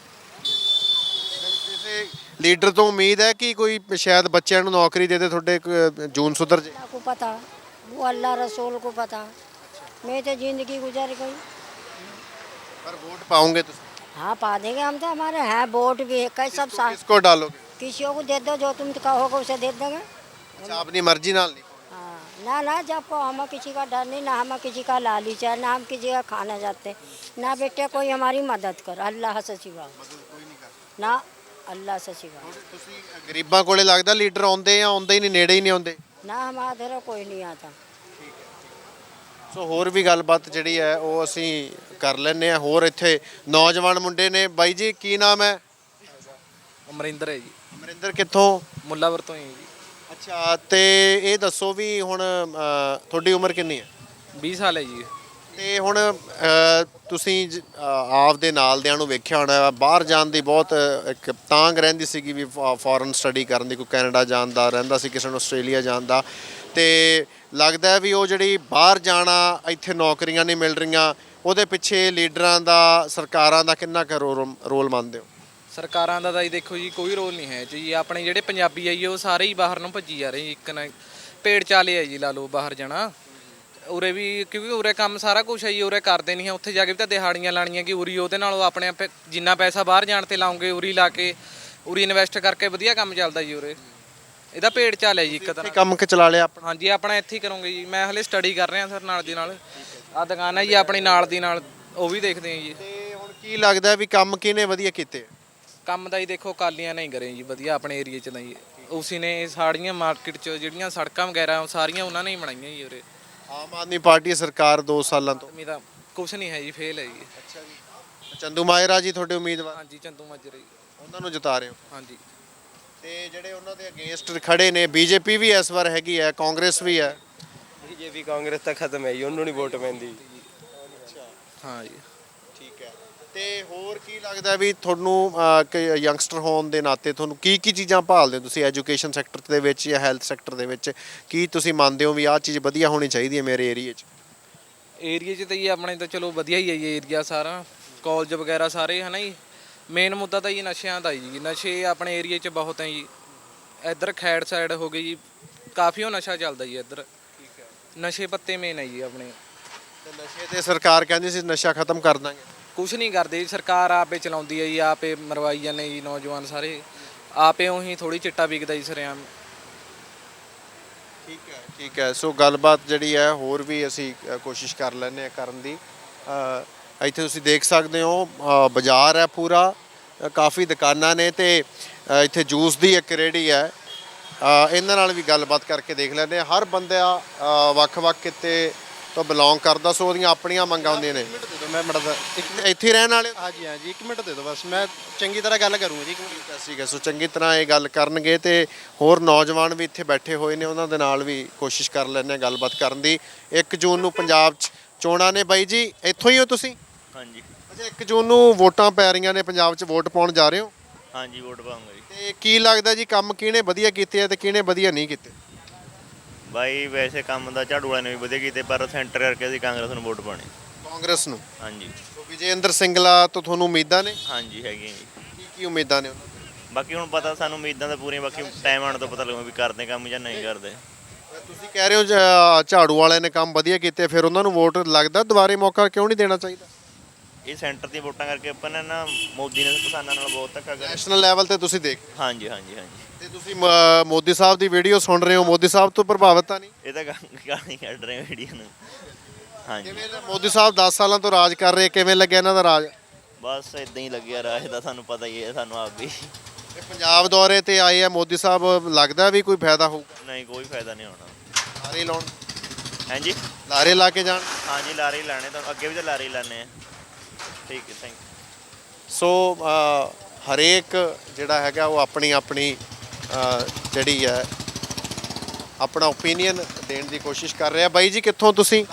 ਕਿਸੇ ਲੀਡਰ ਤੋਂ ਉਮੀਦ ਹੈ ਕਿ ਕੋਈ ਸ਼ਾਇਦ ਬੱਚਿਆਂ ਨੂੰ ਨੌਕਰੀ ਦੇ ਦੇ, ਤੁਹਾਡੇ ਕ- ਜੂਨ ਸੁਧਰ ਜੇ?
को पता वो अल्लाह रसूल को पता। मेरी तो जिंदगी गुजर गई।
पर वोट पाओगे तो
हाँ पा देंगे हम तो, हमारे हैं वोट भी है कई सब साथ।
किसको डालोगे?
किसी को दे दो, जो तुम कहोगे उसे दे देंगे।
अच्छा, अपनी मर्जी नाल नहीं?
हाँ ना ना, जब को हमें किसी का डर नहीं, ना हमें किसी का लालच है, ना हम किसी का खाना जाते, ना बेटे कोई हमारी मदद कर अल्लाह से सिवा, ना अल्लाह से सिवा।
ਤੁਸੀਂ ਗਰੀਬਾਂ ਕੋਲੇ ਲੱਗਦਾ ਲੀਡਰ ਆਉਂਦੇ ਆ ਆਉਂਦੇ ਹੀ ਨਹੀਂ, ਨੇੜੇ ਹੀ ਨਹੀਂ ਆਉਂਦੇ?
ना हमारे इधर कोई नहीं आता।
ਸੋ ਹੋਰ ਵੀ ਗੱਲਬਾਤ ਜਿਹੜੀ ਹੈ ਉਹ ਅਸੀਂ ਕਰ ਲੈਂਦੇ ਆ। ਹੋਰ ਇੱਥੇ ਨੌਜਵਾਨ ਮੁੰਡੇ ਨੇ। ਬਾਈ ਜੀ ਕੀ ਨਾਮ ਹੈ?
ਅਮਰਿੰਦਰ ਹੈ ਜੀ,
ਅਮਰਿੰਦਰ ਕਿੱਥੋਂ?
ਮੁੱਲਾਵਰ ਤੋਂ ਹੀ ਜੀ।
ਅੱਛਾ, ਤੇ ਇਹ ਦੱਸੋ ਵੀ ਹੁਣ ਅ, ਤੁਹਾਡੀ ਉਮਰ ਕਿੰਨੀ ਹੈ?
ਵੀਹ ਸਾਲ ਹੈ ਜੀ।
ਤੇ ਹੁਣ ਅ, ਤੁਸੀਂ ਜ- ਅ, ਆਪਦੇ ਨਾਲਦਿਆਂ ਨੂੰ ਵੇਖਿਆ ਹੋਣਾ ਬਾਹਰ ਜਾਣ ਦੀ ਬਹੁਤ ਅ, ਇੱਕ ਤਾਂਗ ਰਹਿੰਦੀ ਸੀਗੀ ਵੀ ਫੋਰਨ ਸਟੱਡੀ ਕਰਨ ਦੀ, ਕੋਈ ਕੈਨੇਡਾ ਜਾਣ ਦਾ ਰਹਿੰਦਾ ਸੀ, ਕਿਸੇ ਨੂੰ ਆਸਟ੍ਰੇਲੀਆ ਜਾਣ ਦਾ। ਤੇ ਲੱਗਦਾ ਹੈ ਵੀ ਉਹ ਜਿਹੜੀ ਬਾਹਰ ਜਾਣਾ, ਇੱਥੇ ਨੌਕਰੀਆਂ ਨਹੀਂ ਮਿਲ ਰਹੀਆਂ, ਉਹਦੇ ਪਿੱਛੇ ਲੀਡਰਾਂ ਦਾ, ਸਰਕਾਰਾਂ ਦਾ ਕਿੰਨਾ ਕੁ ਰੋ- ਰੋਲ ਮੰਨਦੇ ਹੋ?
ਸਰਕਾਰਾਂ ਦਾ ਤਾਂ ਜੀ ਦੇਖੋ ਜੀ ਕੋਈ ਰੋਲ ਨਹੀਂ ਹੈ ਜੀ। ਆਪਣੇ ਜਿਹੜੇ ਪੰਜਾਬੀ ਆ ਜੀ ਉਹ ਸਾਰੇ ਹੀ ਬਾਹਰ ਨੂੰ ਭੱਜੀ ਜਾ ਰਹੇ ਜੀ। ਇੱਕ ਨਾ ਪੇੜ ਚਾਲੇ ਆ ਜੀ, ਲਾ ਲਓ ਬਾਹਰ ਜਾਣਾ। ਉਰੇ ਵੀ ਕਿਉਂਕਿ ਉਰੇ ਕੰਮ ਸਾਰਾ ਕੁਝ ਹੈ ਜੀ, ਉਰੇ ਕਰਦੇ ਨਹੀਂ ਹੈ। ਉੱਥੇ ਜਾ ਕੇ ਵੀ ਤਾਂ ਦਿਹਾੜੀਆਂ ਲਾਣੀਆਂ ਕਿ ਉਰੀ ਉਹਦੇ ਨਾਲੋਂ ਆਪਣੇ ਆਪੇ ਜਿੰਨਾ ਪੈਸਾ ਬਾਹਰ ਜਾਣ ਤੇ ਲਾਉਂਗੇ ਉਰੀ ਲਾ ਕੇ, ਉਰੀ ਇਨਵੈਸਟ ਕਰਕੇ ਵਧੀਆ ਕੰਮ ਚੱਲਦਾ ਜੀ ਉਰੇ। ਇਹਦਾ ਪੇੜ ਚਾਲ ਹੈ ਜੀ ਇੱਕ
ਇੱਥੇ
ਤਰ੍ਹਾਂ।
ਕੰਮ ਕਿ ਚਲਾ ਲਿਆ ਆਪਣਾ?
ਹਾਂਜੀ ਆਪਣਾ ਇੱਥੇ ਹੀ ਕਰੋਗੇ ਜੀ। ਮੈਂ ਹਲੇ ਸਟੱਡੀ ਕਰ ਰਿਹਾ ਸਰ ਨਾਲ ਦੀ ਨਾਲ। ਆ ਦੁਕਾਨ ਹੈ ਜੀ ਆਪਣੀ ਨਾਲ ਦੀ ਨਾਲ, ਉਹ ਵੀ ਦੇਖਦੇ ਹਾਂ ਜੀ।
ਤੇ ਹੁਣ ਕੀ ਲੱਗਦਾ ਵੀ ਕੰਮ ਕਿਹਨੇ ਵਧੀਆ ਕੀਤੇ?
ਕੰਮ ਦਾ ਹੀ ਦੇਖੋ ਕਾਲੀਆਂ ਨਹੀਂ ਕਰੇ ਜੀ ਵਧੀਆ ਆਪਣੇ ਏਰੀਆ 'ਚ ਤਾਂ ਜੀ। ਉਸੀ ਨੇ ਸਾੜੀਆਂ ਮਾਰਕੀਟ 'ਚ ਜਿਹੜੀਆਂ ਸੜਕਾਂ ਵਗੈਰਾ ਉਹ ਸਾਰੀਆਂ ਉਹਨਾਂ ਨੇ ਹੀ ਬਣਾਈਆਂ ਜੀ ਉਰੇ।
ਆਮ ਆਦਮੀ ਪਾਰਟੀ ਸਰਕਾਰ ਦੋ ਸਾਲਾਂ ਤੋਂ।
ਮੇਰਾ ਕੁਛ ਨਹੀਂ ਹੈ ਜੀ, ਫੇਲ ਹੈ ਜੀ।
ਅੱਛਾ ਜੀ। ਚੰਦੂ ਮਾਇਰਾ ਜੀ ਤੁਹਾਡੇ ਉਮੀਦਵਾਰ,
ਹਾਂਜੀ ਚੰਦੂ ਮਾਜਰੇ ਜੀ।
ਉਹਨਾਂ ਨੂੰ ਜਿਤਾ ਰਹੇ ਹੋ?
ਹਾਂਜੀ
ਤੇ ਜਿਹੜੇ ਉਹਨਾਂ ਦੇ ਅਗੇਂਸਟ ਖੜੇ ਨੇ, ਬੀਜੇਪੀ ਵੀ ਇਸ ਵਾਰ ਹੈਗੀ ਹੈ, ਕਾਂਗਰਸ ਵੀ ਹੈ।
ਬੀਜੇਪੀ ਕਾਂਗਰਸ ਤਾਂ ਖਤਮ ਹੈ ਜੀ, ਉਹਨੂੰ ਨਹੀਂ ਵੋਟ ਪੈਂਦੀ।
ਹਾਂ ਜੀ।
ਠੀਕ ਹੈ। ਤੇ ਹੋਰ ਕੀ ਲੱਗਦਾ ਵੀ ਤੁਹਾਨੂੰ ਅਹ, ਕਿ ਯੰਗਸਟਰ ਹੋਣ ਦੇ ਨਾਤੇ ਤੁਹਾਨੂੰ ਕੀ ਕੀ ਚੀਜ਼ਾਂ ਭਾਲਦੇ ਹੋ ਤੁਸੀਂ ਐਜੂਕੇਸ਼ਨ ਸੈਕਟਰ ਦੇ ਵਿੱਚ ਜਾਂ ਹੈਲਥ ਸੈਕਟਰ ਦੇ ਵਿੱਚ? ਕੀ ਤੁਸੀਂ ਮੰਨਦੇ ਹੋ ਵੀ ਆਹ ਚੀਜ਼ ਵਧੀਆ ਹੋਣੀ ਚਾਹੀਦੀ ਹੈ ਮੇਰੇ ਏਰੀਏ 'ਚ?
ਏਰੀਆ 'ਚ ਤਾਂ ਜੀ ਆਪਣੇ ਤਾਂ ਚਲੋ ਵਧੀਆ ਹੀ ਹੈ ਜੀ ਏਰੀਆ ਸਾਰਾ, ਕਾਲਜ ਵਗੈਰਾ ਸਾਰੇ ਹੈ ਨਾ ਜੀ। ਮੇਨ ਮੁੱਦਾ ਤਾਂ ਜੀ ਨਸ਼ਿਆਂ ਦਾ ਜੀ। ਨਸ਼ੇ ਆਪਣੇ ਏਰੀਆ 'ਚ ਬਹੁਤ ਹੈ ਜੀ। ਇੱਧਰ ਖੈੜ ਸਾਈਡ ਹੋ ਗਈ ਜੀ, ਕਾਫੀ ਉਹ ਨਸ਼ਾ ਚੱਲਦਾ ਜੀ ਇੱਧਰ।
ਠੀਕ ਹੈ।
ਨਸ਼ੇ ਪੱਤੇ ਮੇਨ ਹੈ ਜੀ ਆਪਣੇ।
ਤੇ ਨਸ਼ੇ ਤੇ ਸਰਕਾਰ ਕਹਿੰਦੀ ਸੀ ਨਸ਼ਾ ਖਤਮ ਕਰ ਦਾਂਗੇ।
ਕੁਛ ਨਹੀਂ ਕਰਦੇ ਜੀ, ਸਰਕਾਰ ਆਪੇ ਚਲਾਉਂਦੀ ਹੈ ਜੀ, ਆਪੇ ਮਰਵਾਈ ਜਾਂਦੇ ਜੀ ਨੌਜਵਾਨ ਸਾਰੇ। ਆਪੇ ਉਹੀ ਥੋੜੀ ਚਿੱਟਾ ਵਿਕਦਾ ਜੀ ਸਰੇਆਮ।
ਠੀਕ ਹੈ ਠੀਕ ਹੈ। ਸੋ ਗੱਲਬਾਤ ਜਿਹੜੀ ਹੈ ਹੋਰ ਵੀ ਅਸੀਂ ਅ, ਕੋਸ਼ਿਸ਼ ਕਰ ਲੈਂਦੇ ਹਾਂ ਕਰਨ ਦੀ। ਅ, ਇੱਥੇ ਤੁਸੀਂ ਦੇਖ ਸਕਦੇ ਹੋ ਅ, ਬਾਜ਼ਾਰ ਹੈ ਪੂਰਾ, ਅ, ਕਾਫੀ ਦੁਕਾਨਾਂ ਨੇ ਤੇ ਅ, ਇੱਥੇ ਜੂਸ ਦੀ ਇੱਕ ਰੇਹੜੀ ਹੈ। ਅ, ਇਹਨਾਂ ਨਾਲ ਵੀ ਗੱਲਬਾਤ ਕਰਕੇ ਦੇਖ ਲੈਂਦੇ ਹਾਂ। ਹਰ ਬੰਦਾ ਅ, ਵੱਖ-ਵੱਖ ਕਿਤੇ ਤੋਂ ਬਿਲੋਂਗ ਕਰਦਾ, ਸੋ ਉਹਦੀਆਂ ਆਪਣੀਆਂ ਮੰਗਾਂ ਹੁੰਦੀਆਂ ਨੇ।
ਮੈਂ ਮੜਾ
ਇੱਥੇ ਰਹਿਣ ਵਾਲੇ ਹੋ?
ਹਾਂਜੀ ਹਾਂਜੀ ਇੱਕ ਮਿੰਟ ਦੇ ਦਿਓ ਬਸ, ਮੈਂ ਚੰਗੀ ਤਰ੍ਹਾਂ ਗੱਲ ਕਰੂੰਗਾ ਜੀ। ਇੱਕ ਮਿੰਟ।
ਠੀਕ ਹੈ। ਸੋ ਚੰਗੀ ਤਰ੍ਹਾਂ ਇਹ ਗੱਲ ਕਰਨਗੇ ਤੇ ਹੋਰ ਨੌਜਵਾਨ ਵੀ ਇੱਥੇ ਬੈਠੇ ਹੋਏ ਨੇ, ਉਹਨਾਂ ਦੇ ਨਾਲ ਵੀ ਕੋਸ਼ਿਸ਼ ਕਰ ਲੈਂਦੇ ਹਾਂ ਗੱਲਬਾਤ ਕਰਨ ਦੀ। ਇੱਕ ਜੂਨ ਨੂੰ ਪੰਜਾਬ 'ਚ ਚੋਣਾਂ ਨੇ। ਬਾਈ ਜੀ ਇੱਥੋਂ ਹੀ ਹੋ ਤੁਸੀਂ?
ਹਾਂਜੀ
ਅੱਛਾ, ਇੱਕ ਜੂਨ ਨੂੰ ਵੋਟਾਂ ਪੈ ਰਹੀਆਂ ਨੇ ਪੰਜਾਬ 'ਚ, ਵੋਟ ਪਾਉਣ ਜਾ ਰਹੇ ਹੋ?
ਹਾਂਜੀ ਵੋਟ ਪਾਉਂਗਾ ਜੀ।
ਤੇ ਕੀ ਲੱਗਦਾ ਜੀ ਕੰਮ ਕਿਹਨੇ ਵਧੀਆ ਕੀਤੇ ਆ ਤੇ ਕਿਹਨੇ ਵਧੀਆ ਨਹੀਂ ਕੀਤੇ?
ਬਾਈ ਵੈਸੇ ਕੰਮ ਦਾ ਝਾੜੂ ਵਾਲੇ ਨੇ ਵੀ ਵਧੀਆ ਕੀਤੇ, ਪਰ ਸੈਂਟਰ ਕਰਕੇ ਅਸੀਂ ਕਾਂਗਰਸ ਨੂੰ ਵੋਟ ਪਾਉਣੀ।
ਕਾਂਗਰਸ ਨੂੰ?
ਹਾਂਜੀ।
ਸੋ ਵਿਜੇਂਦਰ ਸਿੰਗਲਾ ਤੋਂ ਤੁਹਾਨੂੰ ਉਮੀਦਾਂ ਨੇ?
ਹਾਂਜੀ ਹੈਗੀਆਂ ਜੀ।
ਕੀ ਕੀ ਉਮੀਦਾਂ ਨੇ ਉਹਨਾਂ ਤੋਂ?
ਬਾਕੀ ਹੁਣ ਪਤਾ ਸਾਨੂੰ ਉਮੀਦਾਂ ਤਾਂ ਪੂਰੀਆਂ, ਬਾਕੀ ਟਾਈਮ ਆਉਣ ਤੋਂ ਪਤਾ ਲੱਗੂ ਵੀ ਕਰਦੇ ਕੰਮ ਜਾਂ ਨਹੀਂ ਕਰਦੇ।
ਤੁਸੀਂ ਕਹਿ ਰਹੇ ਹੋ ਝ- ਝਾੜੂ ਵਾਲਿਆਂ ਨੇ ਕੰਮ ਵਧੀਆ ਕੀਤੇ, ਫਿਰ ਉਹਨਾਂ ਨੂੰ ਵੋਟ ਲੱਗਦਾ ਦੁਬਾਰੇ ਮੌਕਾ ਕਿਉਂ ਨਹੀਂ ਦੇਣਾ ਚਾਹੀਦਾ?
ਇਹ ਸੈਂਟਰ ਦੀਆਂ ਵੋਟਾਂ ਕਰਕੇ ਆਪਾਂ ਨੇ ਨਾ ਮੋਦੀ ਨੇ ਕਿਸਾਨਾਂ ਨਾਲ ਬਹੁਤ ਧੱਕਾ ਕਰਿਆ।
ਨੈਸ਼ਨਲ ਲੈਵਲ ਤੇ ਤੁਸੀਂ ਦੇਖ,
ਹਾਂਜੀ ਹਾਂਜੀ ਹਾਂਜੀ।
ਤੇ ਤੁਸੀਂ ਮ- ਮੋਦੀ ਸਾਹਿਬ ਦੀ ਵੀਡੀਓ ਸੁਣ ਰਹੇ ਹੋ, ਮੋਦੀ ਸਾਹਿਬ ਤੋਂ ਪ੍ਰਭਾਵਿਤ ਤਾਂ ਨਹੀਂ?
ਇਹ ਤਾਂ ਗਾਣੀ ਕੱਢ ਰਹੇ ਵੀਡੀਓ ਨੂੰ। ਹਾਂਜੀ
ਕਿਵੇਂ ਦਾ- ਮੋਦੀ ਸਾਹਿਬ ਦਸ ਸਾਲਾਂ ਤੋਂ ਰਾਜ ਕਰ ਰਹੇ, ਕਿਵੇਂ ਲੱਗਿਆ ਇਹਨਾਂ ਦਾ ਰਾਜ?
ਬਸ ਇਦਾਂ ਹੀ ਲੱਗਿਆ ਰਾਜ ਦਾ, ਸਾਨੂੰ ਪਤਾ ਹੀ ਹੈ, ਸਾਨੂੰ ਆਪ ਵੀ।
ਇਹ ਪੰਜਾਬ ਦੌਰੇ ਤੇ ਆਏ ਆ ਮੋਦੀ ਸਾਹਿਬ, ਲੱਗਦਾ ਵੀ ਕੋਈ ਫਾਇਦਾ ਹੋਊਗਾ?
ਨਹੀਂ ਕੋਈ ਫਾਇਦਾ ਨਹੀਂ ਹੋਣਾ।
ਲਾਰੇ ਲਾਉਣ,
ਹਾਂਜੀ
ਲਾਰੇ ਲਾ ਕੇ ਜਾਣ।
ਹਾਂਜੀ ਲਾਰੇ ਹੀ ਲਾਣੇ, ਤਾਂ ਅੱਗੇ ਵੀ ਤਾਂ ਲਾਰੇ ਹੀ ਲਾਣੇ ਆ। ਠੀਕ ਹੈ, ਥੈਂਕ ਯੂ।
ਸੋ ਅ, ਹਰੇਕ ਜਿਹੜਾ ਹੈਗਾ ਉਹ ਆਪਣੀ ਆਪਣੀ ਅ, ਜਿਹੜੀ ਹੈ ਆਪਣਾ ਓਪੀਨੀਅਨ ਦੇਣ ਦੀ ਕੋਸ਼ਿਸ਼ ਕਰ ਰਿਹਾ। ਬਾਈ ਜੀ ਕਿੱਥੋਂ ਤੁਸੀਂ?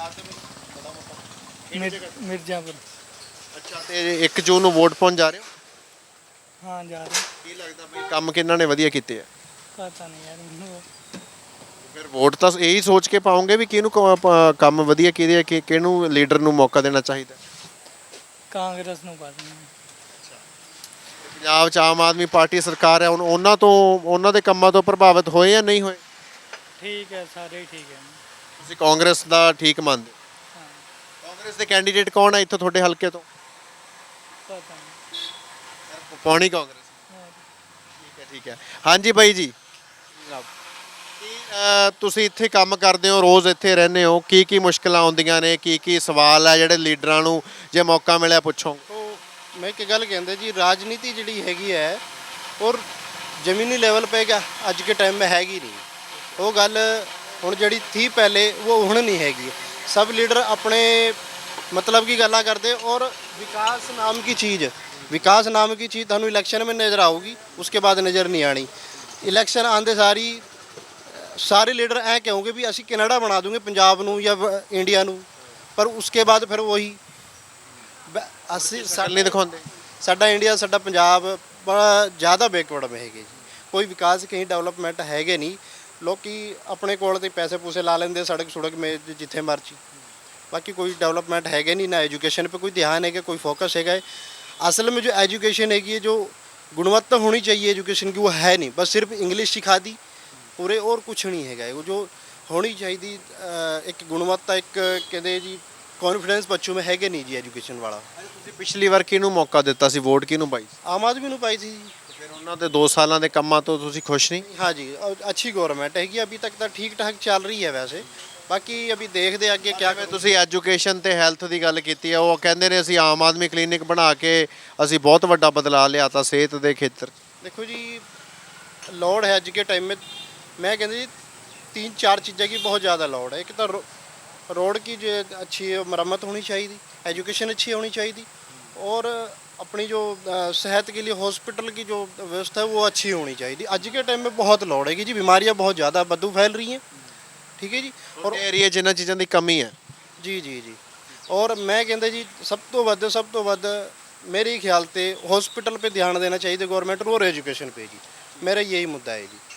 ਮਿਰਜ਼ਾਪੁਰ।
ਅੱਛਾ, ਤੇ ਇੱਕ ਜੂਨ ਨੂੰ ਵੋਟ ਪਾਉਣ ਜਾ ਰਹੇ ਹੋ?
ਹਾਂ ਜਾ ਰਹੇ।
ਕੀ ਲੱਗਦਾ ਬਈ ਕੰਮ ਕਿਹਨਾਂ ਨੇ ਵਧੀਆ ਕੀਤੇ ਆ?
ਪਤਾ ਨਹੀਂ ਯਾਰ ਮੈਨੂੰ।
ਫਿਰ ਵੋਟ ਤਾਂ ਇਹੀ ਸੋਚ ਕੇ ਪਾਉਂਗੇ ਵੀ ਕਿਹਨੂੰ ਕ- ਪ- ਕੰਮ ਵਧੀਆ ਕੀਤੇ ਆ, ਕਿ ਕਿਹਨੂੰ ਲੀਡਰ ਨੂੰ ਮੌਕਾ ਦੇਣਾ ਚਾਹੀਦਾ?
ਕਾਂਗਰਸ ਨੂੰ ਪਾ ਦਿੰਦੇ।
ਪੰਜਾਬ 'ਚ ਆਮ ਆਦਮੀ ਪਾਰਟੀ ਸਰਕਾਰ ਹੈ, ਹੁਣ ਉਹਨਾਂ ਤੋਂ ਉਹਨਾਂ ਦੇ ਕੰਮਾਂ ਤੋਂ ਪ੍ਰਭਾਵਿਤ ਹੋਏ ਜਾਂ ਨਹੀਂ ਹੋਏ?
ਠੀਕ ਹੈ, ਸਾਰੇ ਹੀ ਠੀਕ ਹੈ।
ਤੁਸੀਂ ਕਾਂਗਰਸ ਦਾ ਠੀਕ ਮੰਨਦੇ ਹੋ? ਕਾਂਗਰਸ ਦੇ ਕੈਂਡੀਡੇਟ ਕੌਣ ਹੈ ਇੱਥੋਂ ਤੁਹਾਡੇ ਹਲਕੇ ਤੋਂ?
पता नहीं
ਪਾਉਣੀ ਕਾਂਗਰਸ? ਠੀਕ ਹੈ ਠੀਕ ਹੈ। ਹਾਂਜੀ ਬਾਈ ਜੀ, ਕੀ ਅਹ, ਤੁਸੀਂ ਇੱਥੇ ਕੰਮ ਕਰਦੇ ਹੋ, ਰੋਜ਼ ਇੱਥੇ ਰਹਿੰਦੇ ਹੋ, ਕੀ ਕੀ ਮੁਸ਼ਕਲਾਂ ਆਉਂਦੀਆਂ ਨੇ, ਕੀ ਕੀ ਸਵਾਲ ਹੈ ਜਿਹੜੇ ਲੀਡਰਾਂ ਨੂੰ ਜੇ ਮੌਕਾ ਮਿਲਿਆ ਪੁੱਛੋ?
ਤੋ ਮੈਂ ਇੱਕ ਗੱਲ ਕਹਿੰਦਾ ਜੀ, ਰਾਜਨੀਤੀ ਜਿਹੜੀ ਹੈਗੀ ਹੈ ਔਰ ਜ਼ਮੀਨੀ ਲੈਵਲ 'ਤੇ ਗਾ ਅੱਜ ਕੇ ਟਾਈਮ 'ਮੇ ਹੈਗੀ ਨਹੀਂ ਉਹ ਗੱਲ। ਹੁਣ ਜਿਹੜੀ ਥੀ ਪਹਿਲੇ ਉਹ ਹੁਣ ਨਹੀਂ ਹੈਗੀ। ਸਭ ਲੀਡਰ ਆਪਣੇ मतलब की गल्ला करते और विकास नाम की चीज़ विकास नाम की चीज़ थानू इलेक्शन में नज़र आऊगी, उसके बाद नज़र नहीं आनी। इलेक्शन आंदे सारी सारे लीडर ऐ कहोगे भी असी कनाडा बना दूंगे पंजाब नू या इंडिया नू, पर उसके बाद फिर वही असी
नहीं दिखाते।
साडा इंडिया साडा पंजाब बड़ा ज़्यादा बैकवर्ड में है जी, कोई विकास कहीं डेवलपमेंट है नहीं। लोग अपने कोल ते पैसे पूसे ला लेंगे सड़क सुड़क में जिथे मर्जी, बाकी कोई डेवलपमेंट है नहीं। ना एजुकेशन पे कोई ध्यान है, कोई फोकस है। असल में जो एजुकेशन हैगी है, जो गुणवत्ता होनी चाहिए एजुकेशन की, वो है नहीं। बस सिर्फ इंग्लिश सिखा दी पूरे और कुछ नहीं है। वो जो होनी चाहिए एक गुणवत्ता, एक कहते जी कॉन्फिडेंस बच्चों में है नहीं जी एजुकेशन वाला।
ਪਿਛਲੀ ਵਾਰ ਕਿਹਨੂੰ ਮੌਕਾ ਦਿੱਤਾ ਸੀ, ਵੋਟ ਕਿਹਨੂੰ ਪਾਈ?
आम आदमी ਨੂੰ पाई थी।
ਫਿਰ ਉਹਨਾਂ ਦੇ ਦੋ ਸਾਲਾਂ ਦੇ ਕੰਮਾਂ ਤੋਂ ਤੁਸੀਂ ਖੁਸ਼ ਨਹੀਂ?
हाँ जी, अच्छी गवर्नमेंट हैगी, अभी तक तो ठीक ठाक चल रही है। वैसे ਬਾਕੀ ਅਭੀ ਦੇਖਦੇ ਅੱਗੇ ਕਿਆ
ਜਿਵੇਂ ਤੁਸੀਂ ਐਜੂਕੇਸ਼ਨ ਤੇ ਹੈਲਥ ਦੀ ਗੱਲ ਕੀਤੀ ਹੈ, ਉਹ ਕਹਿੰਦੇ ਨੇ ਅਸੀਂ ਆਮ ਆਦਮੀ ਕਲੀਨਿਕ ਬਣਾ ਕੇ ਅਸੀਂ ਬਹੁਤ ਵੱਡਾ ਬਦਲਾਅ ਲਿਆਤਾ ਸਿਹਤ ਦੇ ਖੇਤਰ 'ਚ।
देखो जी, लोड है अज के टाइम में। मैं कहते जी तीन चार चीज़ें की बहुत ज़्यादा लोड है। एक तो रो, रोड की जो अच्छी मरम्मत होनी चाहिए, एजुकेशन अच्छी होनी चाहिए, और अपनी जो सेहत के लिए हॉस्पिटल की जो व्यवस्था है वो अच्छी होनी चाहिए। अज के टाइम में बहुत लोड है जी, बीमारियाँ बहुत ज़्यादा बदबू फैल रही हैं, ठीक है जी। और
एरिया जिन्हां चीज़ों की कमी है
जी जी जी। और मैं कहता जी सब तो वध सब तो वध मेरे ख्याल से हॉस्पिटल पे ध्यान देना चाहिए गवर्नमेंट और एजुकेशन पे जी। मेरा यही मुद्दा है जी।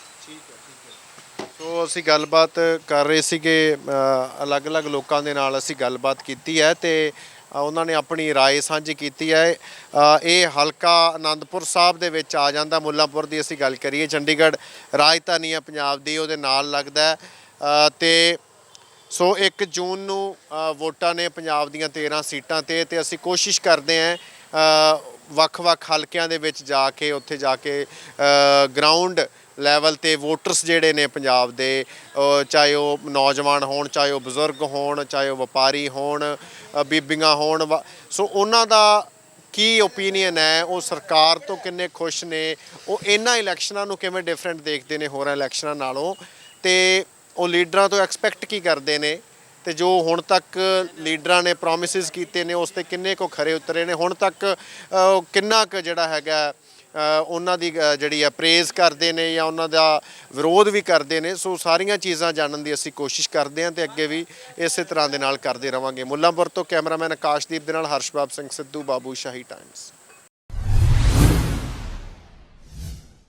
ਸੋ ਅਸੀਂ ਗੱਲਬਾਤ ਕਰ ਰਹੇ ਸੀਗੇ, ਅਲੱਗ-ਅਲੱਗ ਲੋਕਾਂ ਦੇ ਨਾਲ ਅਸੀਂ ਗੱਲਬਾਤ ਕੀਤੀ ਹੈ ਤੇ ਉਹਨਾਂ ਨੇ ਆਪਣੀ ਰਾਏ ਸਾਂਝੀ ਕੀਤੀ ਹੈ। ਇਹ ਹਲਕਾ ਆਨੰਦਪੁਰ ਸਾਹਿਬ ਦੇ ਵਿੱਚ ਆ ਜਾਂਦਾ। ਮੁੱਲਾਂਪੁਰ ਦੀ ਅਸੀਂ ਗੱਲ ਕਰੀਏ, ਚੰਡੀਗੜ੍ਹ ਰਾਜਧਾਨੀ ਹੈ ਪੰਜਾਬ ਦੀ, ਉਹਦੇ ਨਾਲ ਲੱਗਦਾ ਹੈ। ਤੇ ਸੋ ਇੱਕ ਜੂਨ ਨੂੰ ਵੋਟਾਂ ਨੇ ਪੰਜਾਬ ਦੀਆਂ ਤੇਰ੍ਹਾਂ ਸੀਟਾਂ ਤੇ ਤੇ ਅਸੀਂ ਕੋਸ਼ਿਸ਼ ਕਰਦੇ ਹਾਂ ਵੱਖ-ਵੱਖ ਹਲਕਿਆਂ ਦੇ ਵਿੱਚ ਜਾ ਕੇ, ਉੱਥੇ ਜਾ ਕੇ ਗਰਾਊਂਡ ਲੈਵਲ ਤੇ ਵੋਟਰਸ ਜਿਹੜੇ ਨੇ ਪੰਜਾਬ ਦੇ, ਚਾਹੇ ਉਹ ਨੌਜਵਾਨ ਹੋਣ, ਚਾਹੇ ਉਹ ਬਜ਼ੁਰਗ ਹੋਣ, ਚਾਹੇ ਉਹ ਵਪਾਰੀ ਹੋਣ, ਬੀਬੀਆਂ ਹੋਣ, ਸੋ ਉਹਨਾਂ ਦਾ ਕੀ ਓਪੀਨੀਅਨ ਹੈ, ਉਹ ਸਰਕਾਰ ਤੋਂ ਕਿੰਨੇ ਖੁਸ਼ ਨੇ, ਉਹ ਇਹਨਾਂ ਇਲੈਕਸ਼ਨਾਂ ਨੂੰ ਕਿਵੇਂ ਡਿਫਰੈਂਟ ਦੇਖਦੇ ਨੇ ਹੋਰਾਂ ਇਲੈਕਸ਼ਨਾਂ ਨਾਲੋਂ, ਤੇ ਉਹ ਲੀਡਰਾਂ ਤੋਂ ਐਕਸਪੈਕਟ ਕੀ ਕਰਦੇ ਨੇ, ਤੇ ਜੋ ਹੁਣ ਤੱਕ ਲੀਡਰਾਂ ਨੇ ਪ੍ਰੋਮਿਸਿਸ ਕੀਤੇ ਨੇ ਉਸ 'ਤੇ ਕਿੰਨੇ ਕੁ ਖਰੇ ਉਤਰੇ ਨੇ, ਹੁਣ ਤੱਕ ਕਿੰਨਾ ਕੁ ਜਿਹੜਾ ਹੈਗਾ ਉਹਨਾਂ ਦੀ ਜਿਹੜੀ ਆ ਪ੍ਰੇਜ਼ ਕਰਦੇ ਨੇ ਜਾਂ ਉਹਨਾਂ ਦਾ ਵਿਰੋਧ ਵੀ ਕਰਦੇ ਨੇ। ਸੋ ਸਾਰੀਆਂ ਚੀਜ਼ਾਂ ਜਾਣਨ ਦੀ ਅਸੀਂ ਕੋਸ਼ਿਸ਼ ਕਰਦੇ ਹਾਂ ਤੇ ਅੱਗੇ ਵੀ ਇਸੇ ਤਰ੍ਹਾਂ ਦੇ ਨਾਲ ਕਰਦੇ ਰਵਾਂਗੇ। ਮੁੱਲਾਂਪੁਰ ਤੋਂ ਕੈਮਰਾਮੈਨ ਆਕਾਸ਼ਦੀਪ ਦੇ ਨਾਲ ਹਰਸ਼ਬਾਬ ਸਿੰਘ ਸਿੱਧੂ, ਬਾਬੂ ਸ਼ਾਹੀ ਟਾਈਮਸ।